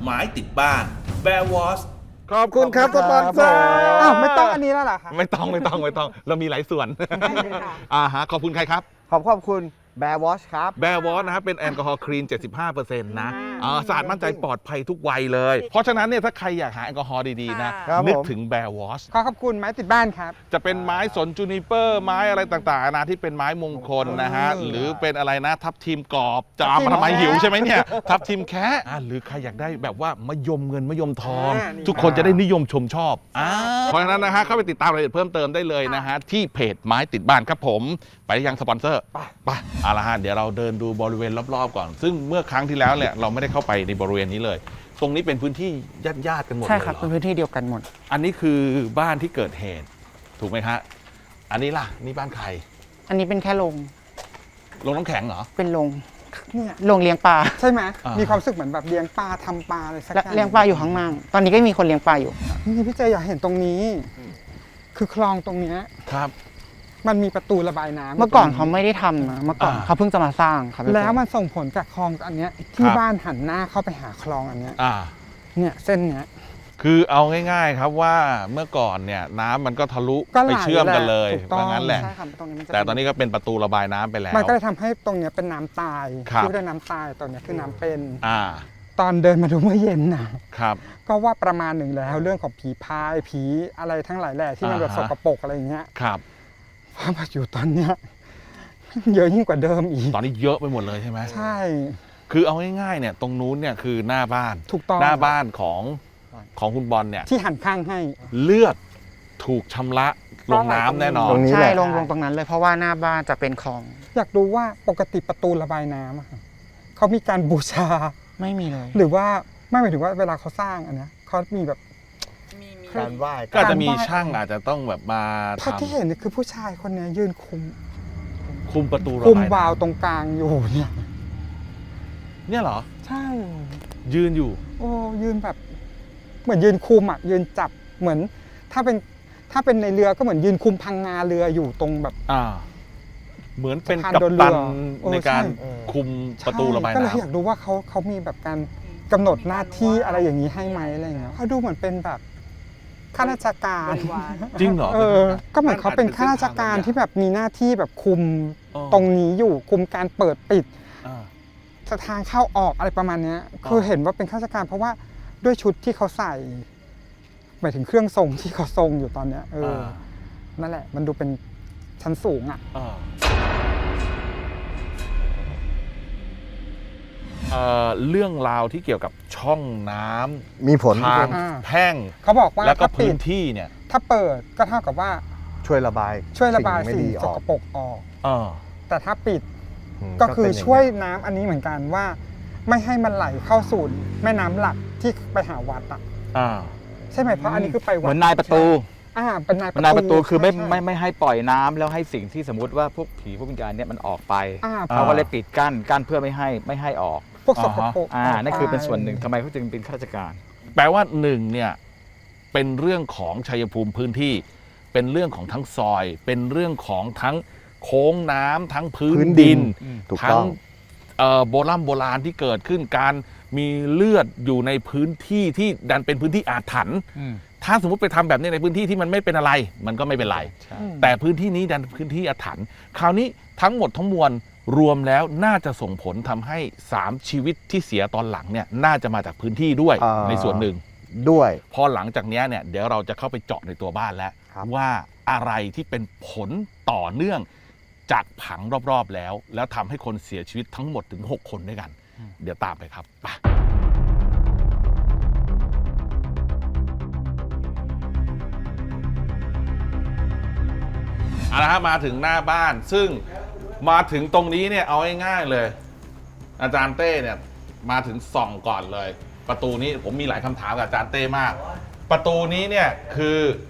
ไม้ติดบ้าน Bear Wash ขอบคุณครับสปอนเซอร์อ้าวไม่ต้องอันนี้แล้วเหรอคะไม่ต้องเรามีหลายส่วนฮะขอบคุณใครครับขอบคุณแบร์วอชครับแบร์วอชนะครับเป็นแอลกอฮอล์คลีน 75% นะสะอาดมั่นใจปลอดภัยทุกวัยเลย เพราะฉะนั้นเนี่ยถ้าใครอยากหาแอลกอฮอล์ดีๆนะครับ นึกผมถึงแบร์วอชขอบคุณไม้ติดบ้านครับจะเป็นไม้สนจูนิเปอร์ไม้อะไรต่างๆนะที่เป็นไม้มงคลนะฮะหรือเป็นอะไรนะทับทิมกรอบจะเอามาทำไมหิวใช่ไหมเนี่ยทับทิมแคะหรือใครอยากได้แบบว่ามะยมเงินมะยมทองนี่ทุกคนจะได้นิยมชมชอบเพราะฉะนั้นนะฮะเข้าไปติดตามรายละเอียดเพิ่มเติมได้เลยนะฮะที่เพจไม้ติดบ้านครับผมไปยังสปอนเซอร์ไปเอาละฮะเดี๋ยวเราเดินดูบริเวณรอบๆก่อนซึ่งเมื่อครั้งที่แล้วเนี่ยเราไม่ได้เข้าไปในบริเวณนี้เลย ตรงนี้เป็นพื้นที่ญาติๆกันหมดเลยใช่ครับเหรเป็นอพื้นที่เดียวกันหมดอันนี้คือบ้านที่เกิดเหตุถูกไหมฮะอันนี้ล่ะนี่บ้านใครอันนี้เป็นแค่โรงลงน้ำแข็งเหรอเป็นโรงเนี่ยโรงเลี้ยงปลาใช่ไหมอ่ามีมีความรู้สึกเหมือนแบบเลี้ยงปลาทำปลาอะไรสักอย่างเลี้ยงปลาอยู่ข้างล่าง ตอนนี้ก็มีคนเลี้ยงปลาอยู่นี่พี่เจอยากเห็นตรงนี้ คือคลองตรงเนี้ยครับมันมีประตูระบายน้ำเมื่อก่อนเขาไม่ได้ทำนะเมื่อก่อนอ่าเขาเพิ่งจะมาสร้างครับแล้วมันส่งผลจากคลองอันเนี้ยที่ครับบ้านหันหน้าเข้าไปหาคลองอันเนี้ยอ่าเนี่ยเส้นเนี้ยคือเอาง่ายๆครับว่าเมื่อก่อนเนี่ยน้ำมันก็ทะลุก็ไหลไปเชื่อมกันเลยถูกต้องว่างั้นแหละใช่ครับตรงนี้มันจะแต่ตอนนี้ก็เป็นประตูระบายน้ำไปแล้วมันก็เลยทำให้ตรงเนี้ยเป็นน้ำตายครับที่เรียกน้ำตายตรงเนี้ยคือน้ำเป็นอ่าตอนเดินมาดูเมื่อเย็นนะครับ ก็ว่าประมาณหนึ่งแล้วเรื่องของผีพายผีอะไรทั้งหลายแหล่ที่มันแบบสอ่าฮะกปรกอะไรอย่างเงี้ยครับพอมาอยู่ตอนเนี้ยเยอะยิ่งกว่าเดิมอีกตอนนี้เยอะไปหมดเลยใช่ไหมใช่คือเอาง่ายๆเนี่ยตรงนู้นเนี่ยคือหน้าบ้านถูกต้องหน้าบ้านของคุณบอลเนี่ยที่หันข้างให้เลือดถูกชำระลงน้ำแน่นอนตรงนี้ใช่แหละลงตรงนั้นเลยเพราะว่าหน้าบ้านจะเป็นคลองอยากรู้ว่าปกติประตูระบายน้ำอะค่ะเขามีการบูชาไม่มีเลยหรือว่าไม่หมายถึงว่าเวลาเขาสร้างอันเนี้ยเขามีแบบการไหว้ก็อาจจะมีช่างอาจจะต้องแบบมาภาพทำที่เห็นเนี่ยคือผู้ชายคนเนี้ยยืนคุมคุมประตูระคุมบายน้วาล์วตรงกลางอยู่เนี่ยำเนี่ยเหรอใช่ยืนอยู่โอ้ยืนแบบ เหมือนยืนคุมอ่ะยืนจับเหมือน ถ้าเป็นในเรือก็เหมือนยืนคุมพังงาเรืออยู่ตรงแบบเหมือนเป็นสะพานกัปโดนเรือตันเออในการใช่คุมประตูระบายก็เลยน้ำอยากรู้ว่าเขามีแบบการกำหนดหน้าที่อะไรอย่างนี้ให้ไหมอะไรอย่างเงี้ยเขาดูเหมือนเป็นแบบข้าราชการจริงเหรอก็เหมือนเขาเป็นข้าราชการที่แบบมีหน้าที่แบบคุมอ๋อตรงนี้อยู่คุมการเปิดปิดอ่าทางเข้าออกอะไรประมาณเนี้ยคือเห็นว่าเป็นข้าราชการเพราะว่าด้วยชุดที่เขาใส่หมายถึงเครื่องทรงที่เขาทรงอยู่ตอนเนี้ยนั่นแหละ มันดูเป็นชั้นสูงอ่ะเรื่องราวที่เกี่ยวกับช่องน้ำมีผลทางอ่าแพ่งเขาบอกว่าแล้วก็ถ้าปิพื้ดนที่เนี่ยถ้าเปิดก็เท่ากับว่าช่วยระบายช่วยระบายไม่สิ่งดีสออกกปรกออกเออแต่ถ้าปิดมก็คือเป็นางช่วยเงี้น้ำอันนี้เหมือนกันว่า ไม่ให้มันไหลเข้าสู่แม่น้ำหลักที่ไปหาวัดอ่ะอ่าใช่ไหมเพราะอันนี้คือไปวัดเหมือนนายประตูเป็นนายนายประตูคือไม่ใช่ไม่ให้ปล่อยน้ำแล้วให้สิ่งที่สมมติว่าพวกผีพวกวิญญาณเนี่ยมันออกไปอ่าเขาก็เลยปิดกั้นเพื่อไม่ให้ออกพวกสกปรกนั่นคือเป็นส่วนหนึ่งทำไมเขาจึงเป็นข้าราชการแปลว่าหนึ่งเนี่ยเป็นเรื่องของชัยภูมิพื้นที่ เป็นเรื่องของทั้งซอย เป็นเรื่องของทั้งโค้งน้ำทั้งพื้นดินถูกทั้ต้งองโบราณที่เกิดขึ้นการมีเลือดอยู่ในพื้นที่ที่ดันเป็นพื้นที่อาถรรพ์ถ้าสมมติไปทำแบบนี้ในพื้นที่ที่มันไม่เป็นอะไร มันก็ไม่เป็นไร แต่พื้นที่นี้ดันพื้นที่อาถรรพ์คราวนี้ทั้งหมดทั้งมวลรวมแล้วน่าจะส่งผลทำให้3ชีวิตที่เสียตอนหลังเนี่ยน่าจะมาจากพื้นที่ด้วยในส่วนหนึ่งด้วยพอหลังจากนี้เนี่ยเดี๋ยวเราจะเข้าไปเจาะในตัวบ้านแล้วครับว่าอะไรที่เป็นผลต่อเนื่องจากผังรอบๆแล้วทำให้คนเสียชีวิตทั้งหมดถึง 6 คนด้วยกัน เดี๋ยวตามไปครับไปเอาละครับมาถึงหน้าบ้านซึ่งมาถึงตรงนี้เนี่ยเอาง่ายๆเลย อาจารย์เต้เนี่ยมาถึงส่องก่อนเลย ประตูนี้ผมมีหลายคำถามกับอาจารย์เต้มาก ประตูนี้เนี่ยคือ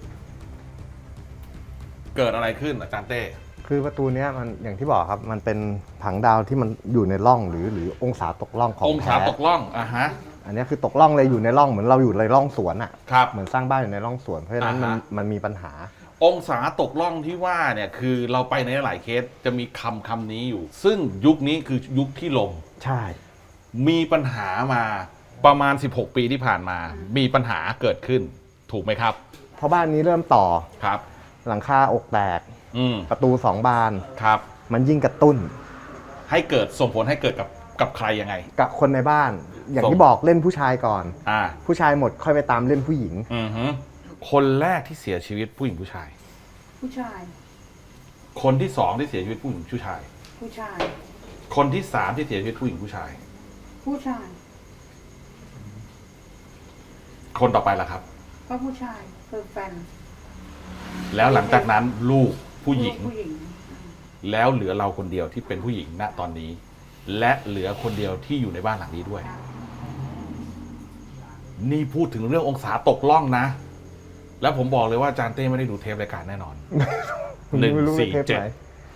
เกิดอะไรขึ้นอาจารย์เต้คือประตูเนี้ยมันอย่างที่บอกครับมันเป็นผังดาวที่มันอยู่ในร่องหรือองศาตกร่องขององศาแท้ตกล่องอ่ะฮะอันเนี้ยคือตกร่องเลยอยู่ในร่องเหมือนเราอยู่ในร่องสวนอ่ะครับเหมือนสร้างบ้านอยู่ในร่องสวนเพราะฉะนั้นอ่าฮะมันมีปัญหาองศาตกล่องที่ว่าเนี่ยคือเราไปในหลายเคสจะมีคำนี้อยู่ ซึ่งยุคนี้คือยุคที่ลมใช่มีปัญหามาประมาณ 16 ปีที่ผ่านมา มีปัญหาเกิดขึ้น ถูกไหมครับเพราะบ้านนี้เริ่มต่อครับหลังคาอกแตกอืมประตู 2 บานครับมันยิ่งกระตุ้นให้เกิดส่งผลให้เกิดกับใครยังไงกับคนในบ้าน อย่างส่งที่บอกเล่นผู้ชายก่อนอ่าผู้ชายหมดค่อยไปตามเล่นผู้หญิงอือฮึคนแรกที่เสียชีวิตผู้หญิงผู้ชายผู้ชายคนที่สองที่เสียชีวิตผู้หญิงผู้ชายผู้ชายคนที่สามที่เสียชีวิตผู้หญิงผู้ชายผู้ชายคนต่อไปล่ะครับก็ผู้ชายคือแฟนแล้วหลังจากนั้นลูกผู้หญิงผู้หญิงแล้วเหลือเราคนเดียวที่เป็นผู้หญิงณตอนนี้ และเหลือคนเดียวที่อยู่ในบ้านหลังนี้ด้วย นี่พูดถึงเรื่ององศาตกล่องนะ แล้วผมบอกเลยว่าอาจารย์เต้ไม่ได้ดูเทปรายการแน่นอนไม่รู้ว่าเทปไหน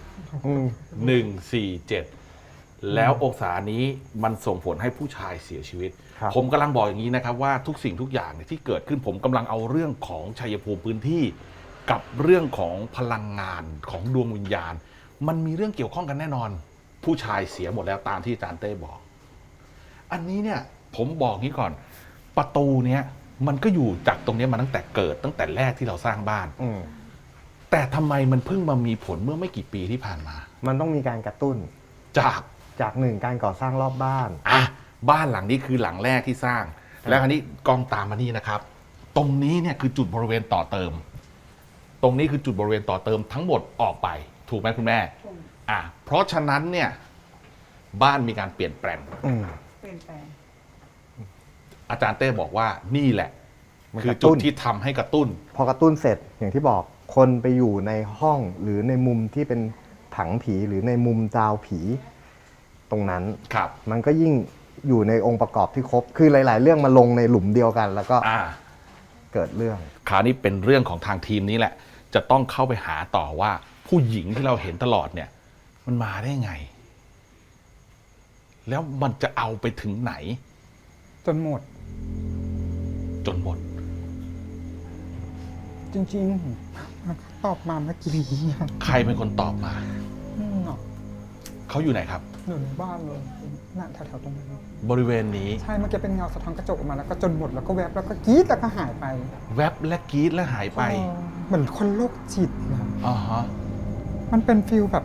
147 แล้วองศานี้มันส่งผลให้ผู้ชายเสียชีวิตครับผมกำลังบอกอย่างนี้นะครับว่าทุกสิ่งทุกอย่างเนี่ยที่เกิดขึ้นผมกำลังเอาเรื่องของชัยภูมิพื้นที่ กับเรื่องของพลังงานของดวงวิญญาณ มันมีเรื่องเกี่ยวข้องกันแน่นอน ผู้ชายเสียหมดแล้วตามที่อาจารย์เต้บอก อันนี้เนี่ยผมบอกงี้ก่อน ประตูเนี้ยมันก็อยู่จากตรงเนี้ยมาตั้งแต่เกิดตั้งแต่แรกที่เราสร้างบ้านอืมแต่ทำไมมันเพิ่งมามีผลเมื่อไม่กี่ปีที่ผ่านมามันต้องมีการกระตุ้นจากหนึ่งการก่อสร้างรอบบ้านอ่ะบ้านหลังนี้คือหลังแรกที่สร้าง แล้วคราวนี้กล้องตามมานี่นะครับ ตรงนี้เนี่ยคือจุดบริเวณต่อเติม ตรงนี้คือจุดบริเวณต่อเติมทั้งหมดออกไป ถูกไหมคุณแม่ถูกเพราะฉะนั้นเนี่ยบ้านมีการเปลี่ยนแปลงอืมเปลี่ยนแปลงอาจารย์เต้บอกว่านี่แหละมันคืกอระตุ้จุดนที่ทำให้กระตุ้นพอกระตุ้นเสร็จอย่างที่บอกคนไปอยู่ในห้องหรือในมุมที่เป็นผังผีหรือในมุมดาวผี ตรงนั้นครับมันก็ยิ่งอยู่ในองค์ประกอบที่ครบ คือหลาย ๆ เรื่องมาลงในหลุมเดียวกัน แล้วก็เกิดเรื่องคราวนี้เป็นเรื่องของทางทีมนี้แหละ จะต้องเข้าไปหาต่อว่า ผู้หญิงที่เราเห็นตลอดเนี่ย มันมาได้ไง แล้วมันจะเอาไปถึงไหนจนหมดจนหมดจริงๆมันก็ตอบมาเมื่อกี้อะใครเป็นคนตอบมาเนาะเขาอยู่ไหนครับอยู่ในบ้านเลยน่ะแถวๆตรงนั้นบริเวณนี้ใช่เมื่อกี้เป็นเงาสะท้อนกระจกออกมาแล้วก็จนหมดแล้วก็แวบแล้วก็กรี๊ดแล้วก็หายไปแวบและกรีดและหายไปเหมือนคนโรคจิตนะอ่าฮะมันเป็นฟิลแบบ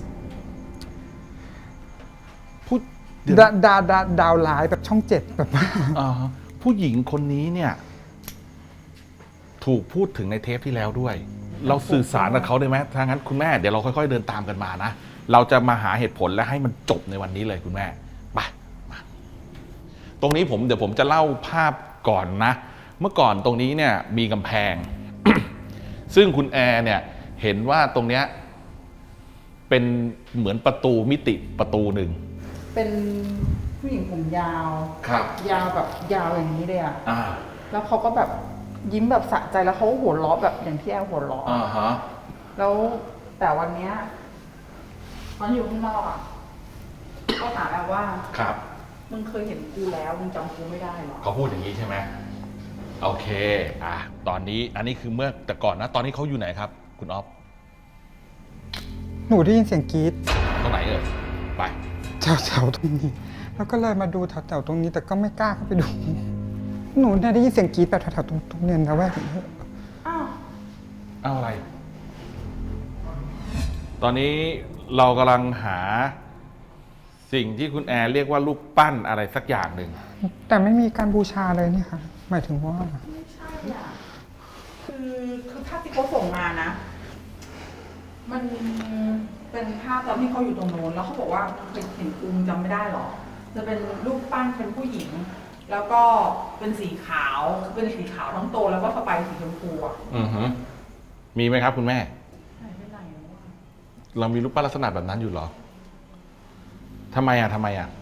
ผู้เดี๋ยวนะดาวร้ายแบบช่องเจ็ดแบบว่าอ่าฮะผู้หญิงคนนี้เนี่ย ถูกพูดถึงในเทปที่แล้วด้วย เราสื่อสารกับเขาได้ไหมถ้างั้นคุณแม่เดี๋ยวเราค่อยๆเดินตามกันมานะ เราจะมาหาเหตุผลและให้มันจบในวันนี้เลยคุณแม่ไปมาตรงนี้เดี๋ยวผมจะเล่าภาพก่อนนะ เมื่อก่อนตรงนี้เนี่ยมีกำแพง ซึ่งคุณแอร์เนี่ยเห็นว่าตรงเนี้ยเป็นเหมือนประตูมิติประตูหนึ่งเป็นผู้หญิงผมยาวครับยาวแบบยาวอย่างนี้เลยอะอ่าแล้วเขาก็แบบยิ้มแบบสะใจแล้วเขาก็หัวเราะแบบอย่างที่แอลหัวเราะอ่าฮะแล้วแต่วันเนี้ยตอนอยู่ข้างนอกอะก็ถามแอลว่าครับมึงเคยเห็นกูแล้วมึงจำกูไม่ได้หรอเขาพูดอย่างนี้ใช่ไหมโอเคตอนนี้อันนี้คือเมื่อแต่ก่อนนะ ตอนนี้เขาอยู่ไหนครับ คุณอ๊อฟหนูได้ยินเสียงกรี๊ดตรงไหนเอ่ยไปแถวๆตรงนี้ แล้วก็เลยมาดูแถวๆตรงนี้ แต่ก็ไม่กล้าเข้าไปดู หนูเนี่ยได้ยินเสียงกรี๊ดแบบแถวๆตรงเนียนนะแวกนี้อ้าวเอาอะไร ตอนนี้เรากำลังหาสิ่งที่คุณแอร์เรียกว่ารูปปั้นอะไรสักอย่างหนึ่งแต่ไม่มีการบูชาเลยนี่ค่ะ หมายถึงว่าไม่ใช่อ่ะคือภาพที่เขาส่งมานะ มันเป็นภาพตอนที่เขาอยู่ตรงโน้นแล้วเขาบอกว่าเคยเห็นกูจำไม่ได้หรอ จะเป็นรูปปั้นเป็นผู้หญิง แล้วก็เป็นสีขาวเป็นสีขาวทั้งตัวแล้วก็สบายสีชมพูอ่ะอือฮึมีไหมครับคุณแม่หายไปไหนวะเรามีรูปปั้นลักษณะแบบนั้นอยู่เหรอทำไมอ่ะ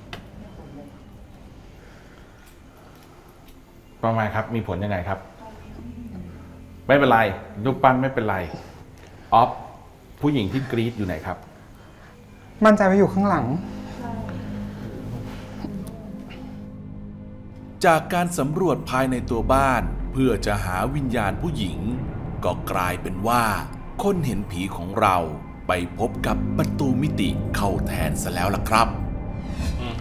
ประมาณครับ มีผลยังไงครับ ไม่เป็นไรรูปปั้นไม่เป็นไรออฟผู้หญิงที่กรี๊ดอยู่ไหนครับมั่นใจว่าอยู่ข้างหลังจากการสำรวจภายในตัวบ้านเพื่อจะหาวิญญาณผู้หญิง ก็กลายเป็นว่าคนเห็นผีของเราไปพบกับประตูมิติเข้าแทนซะแล้วล่ะครับอือฮึ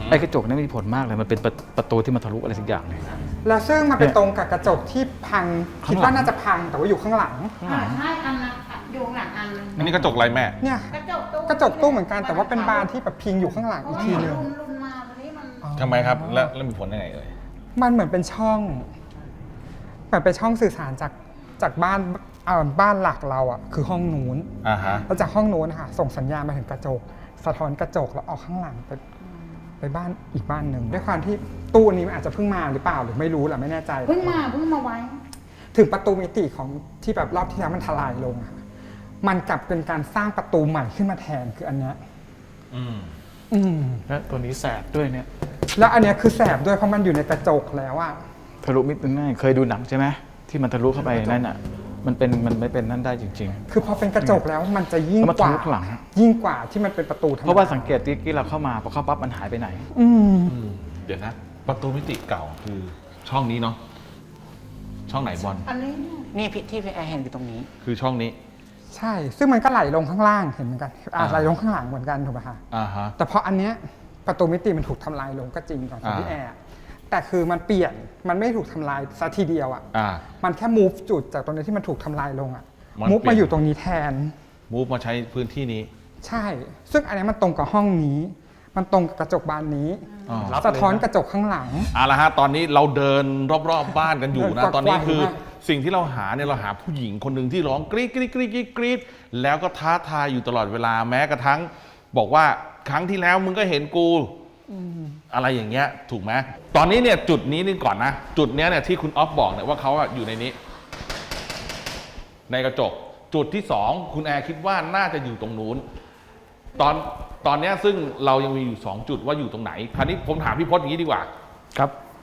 ไอ้กระจกนี่มีผลมากเลยมันเป็นประตูที่มันทะลุอะไรสักอย่างเลยแล้วซึ่งมันเป็นตรงกับกระจกที่พัง คิดว่าน่าจะพังแต่ว่าอยู่ข้างหลังใช่อันนั้นอยู่ข้างหลังอันนึงอันนี้กระจกอะไรแม่เนี่ยกระจกตู้กระจกตู้เหมือนกันแต่ว่าเป็นบานที่แบบพิงอยู่ข้างหลังอีกทีหนึงรุ่นมาวันนี้มันทำไมครับ แล้วมีผลยังไงเอ่ยมันเหมือนเป็นช่องเหมือนเป็นช่องสื่อสารจากบ้านหลักเราอ่ะคือห้องนู้นอ่าฮะแล้วจากห้องนู้นค่ะส่งสัญญาณมาถึงกระจก สะท้อนกระจกแล้วออกข้างหลังไปบ้านอีกบ้านหนึ่งด้วยความที่ตู้นี้มันอาจจะเพิ่งมาหรือเปล่าหรือไม่รู้แหละไม่แน่ใจเพิ่งมาไว้ถึงประตูมิติของที่แบบรอบที่แล้วมันทลายลงอะมันกลับเป็นการสร้างประตูใหม่ขึ้นมาแทนคืออันเนี้ยอืมอืมและตัวนี้แสบด้วยเนี่ยแล้วอันเนี้ยคือแสบด้วยเพราะมันอยู่ในกระจกแล้วอะทะลุมิดง่ายเคยดูหนังใช่ไหมที่มันทะลุเข้าไปนั่นอ่ะมันไม่เป็นนั่นได้จริงคือพอเป็นกระจกแล้วมันจะๆยิ่งแล้วมันกทะว่าลุข้างหลังยิ่งกว่าที่มันเป็นประตูธรรมดเพราะว่าสังเกตที่เราเข้ามาพอเข้าปั๊บมันหายไปไหนอืมเดี๋ยวนะ ประตูมิติเก่าคือช่องนี้เนาะ ช่องไหนบอลอันนี้เนี่ยนี่ที่พี่แอร์เห็นอยู่ตรงนี้คือช่องนี้ใช่ ซึ่งมันก็ไหลลงข้างล่างเห็นเหมือนกันอ่าอ่าไหลลงข้างหลังเหมือนกันถูกไหมคะอ่าฮะแต่พออันเนี้ยประตูมิติมันถูกทำลายลงก็จริงก่อนของพี่แอร์แต่คือมันเปลี่ยนมันไม่ถูกทำลายซะทีเดียวอ่ะอ่ามันแค่ move จุดจากตรงนี้ที่มันถูกทำลายลงอ่ะมัน move เปลี่มาย อยู่ตรงนี้แทนมูฟมาใช้พื้นที่นี้ใช่ ซึ่งอันนี้มันตรงกับห้องนี้ มันตรงกับกระจกบานนี้อ๋อสะท้อนกระจกข้างหลังเอาละฮะ ตอนนี้เราเดินรอบๆบ้านกันอยู่นะเดินกวักตอนนี้คือไขว้มากสิ่งที่เราหาเนี่ยเราหาผู้หญิงคนหนึ่งที่ร้องกรี๊ดกรี๊ดกรี๊ดกรี๊ดกรี๊ดแล้วก็ท้าทายอยู่ตลอดเวลาแม้กระทั่ง บอกว่าครั้งที่แล้วมึงก็เห็นกูอะไรอย่างเงี้ยถูกไหมตอนนี้เนี่ยจุดนี้นี่ก่อนนะ จุดเนี้ยเนี่ยที่คุณออฟบอกเนี่ยว่าเขาอะอยู่ในนี้ ในกระจก จุดที่สองคุณแอร์คิดว่าน่าจะอยู่ตรงนู้น ตอนเนี้ยซึ่งเรายังมีอยู่2จุดว่าอยู่ตรงไหนคราวนี้ผมถามพี่พจน์อย่างนี้ดีกว่าครับ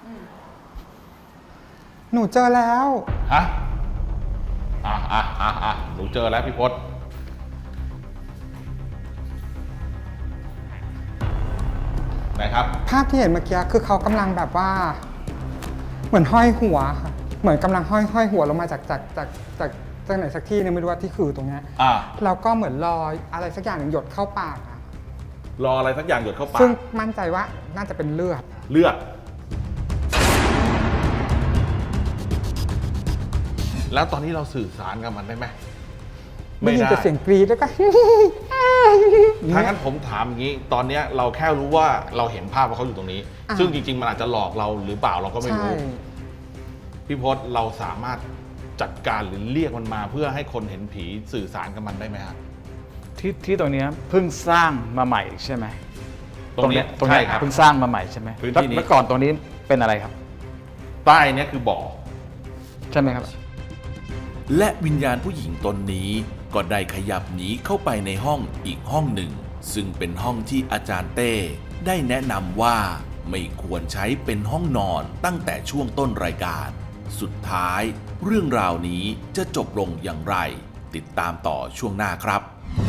หนูเจอแล้วฮะหนูเจอแล้วพี่พจน์ไหนครับภาพที่เห็นเมื่อกี้คือเขากำลังแบบว่า เหมือนห้อยหัวค่ะเหมือนกำลังห้อยหัวลงมาจากไหนสักที่นึงไม่รู้ว่าที่คือตรงเนี้ยอ่าแล้วก็เหมือนรออะไรสักอย่างหนึ่งหยดเข้าปากอะรออะไรสักอย่างหยดเข้าปากซึ่งมั่นใจว่าน่าจะเป็นเลือดเลือด แล้วตอนนี้เราสื่อสารกับมันได้ไหมไม่ยินแต่เสียงกรี๊ดแล้วก็ถ้างั้นผมถามอย่างนี้ ตอนเนี้ยเราแค่รู้ว่าเราเห็นภาพว่าเขาอยู่ตรงนี้อ่าซึ่งจริงๆมันอาจจะหลอกเราหรือเปล่าเราก็ไม่ใช่รู้ พี่พจน์เราสามารถจัดการหรือเรียกมันมาเพื่อให้คนเห็นผีสื่อสารกับมันได้ไหมครับที่ตรงเนี้ยเพิ่งสร้างมาใหม่ใช่ไหมตรงนี้ตรงใช่เนี้ยครับเพิ่งสร้างมาใหม่ใช่ไหมพื้นที่นี้แล้วก่อนตรงนี้เป็นอะไรครับใต้เนี้ยคือบ่อใช่ไหมครับและวิญญาณผู้หญิงตนนี้ก็ได้ขยับหนีเข้าไปในห้องอีกห้องหนึ่ง ซึ่งเป็นห้องที่อาจารย์เต้ได้แนะนำว่าไม่ควรใช้เป็นห้องนอนตั้งแต่ช่วงต้นรายการ สุดท้ายเรื่องราวนี้จะจบลงอย่างไร ติดตามต่อช่วงหน้าครับ